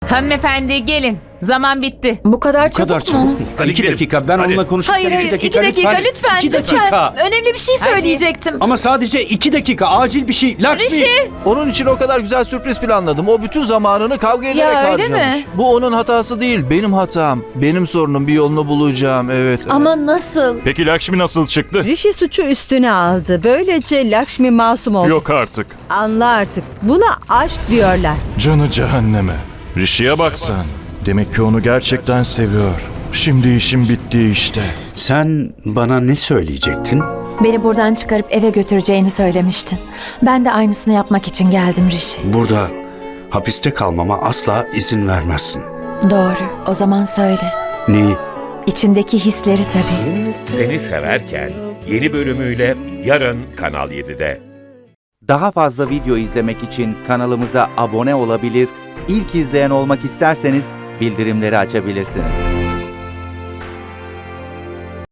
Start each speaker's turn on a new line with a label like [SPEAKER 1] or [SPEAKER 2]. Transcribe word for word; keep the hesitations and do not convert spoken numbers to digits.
[SPEAKER 1] Hanımefendi gelin. Zaman bitti.
[SPEAKER 2] Bu kadar
[SPEAKER 3] Bu
[SPEAKER 2] çabuk
[SPEAKER 3] kadar
[SPEAKER 2] mu?
[SPEAKER 3] çabuk mu?
[SPEAKER 4] Hadi
[SPEAKER 3] iki
[SPEAKER 4] gidelim.
[SPEAKER 3] dakika ben
[SPEAKER 4] Hadi.
[SPEAKER 3] onunla konuşurken
[SPEAKER 2] Hayır hayır
[SPEAKER 3] iki
[SPEAKER 2] iki dakika, lütfen
[SPEAKER 3] İki
[SPEAKER 2] lütfen.
[SPEAKER 3] dakika.
[SPEAKER 2] Önemli bir şey söyleyecektim.
[SPEAKER 3] Ama sadece iki dakika acil bir şey. Lakshmi.
[SPEAKER 2] Rişi.
[SPEAKER 5] Onun için o kadar güzel sürpriz planladım. O bütün zamanını kavga ederek
[SPEAKER 2] öyle
[SPEAKER 5] harcamış.
[SPEAKER 2] mi?
[SPEAKER 5] Bu onun hatası değil, benim hatam. Benim sorunum, bir yolunu bulacağım. Evet.
[SPEAKER 2] Ama nasıl?
[SPEAKER 4] Peki Lakshmi nasıl çıktı?
[SPEAKER 6] Rishi suçu üstüne aldı. Böylece Lakshmi masum oldu.
[SPEAKER 4] Yok artık.
[SPEAKER 6] Anla artık. Buna aşk diyorlar.
[SPEAKER 4] Canı cehenneme. Rishi'ye bak sen. Demek ki onu gerçekten seviyor. Şimdi işim bitti işte.
[SPEAKER 3] Sen bana ne söyleyecektin?
[SPEAKER 7] Beni buradan çıkarıp eve götüreceğini söylemiştin. Ben de aynısını yapmak için geldim Rishi.
[SPEAKER 3] Burada hapiste kalmama asla izin vermezsin.
[SPEAKER 7] Doğru. O zaman söyle.
[SPEAKER 3] Neyi?
[SPEAKER 7] İçindeki hisleri tabii.
[SPEAKER 8] Seni Severken yeni bölümüyle yarın Kanal yedide.
[SPEAKER 9] Daha fazla video izlemek için kanalımıza abone olabilir, ilk izleyen olmak isterseniz bildirimleri açabilirsiniz.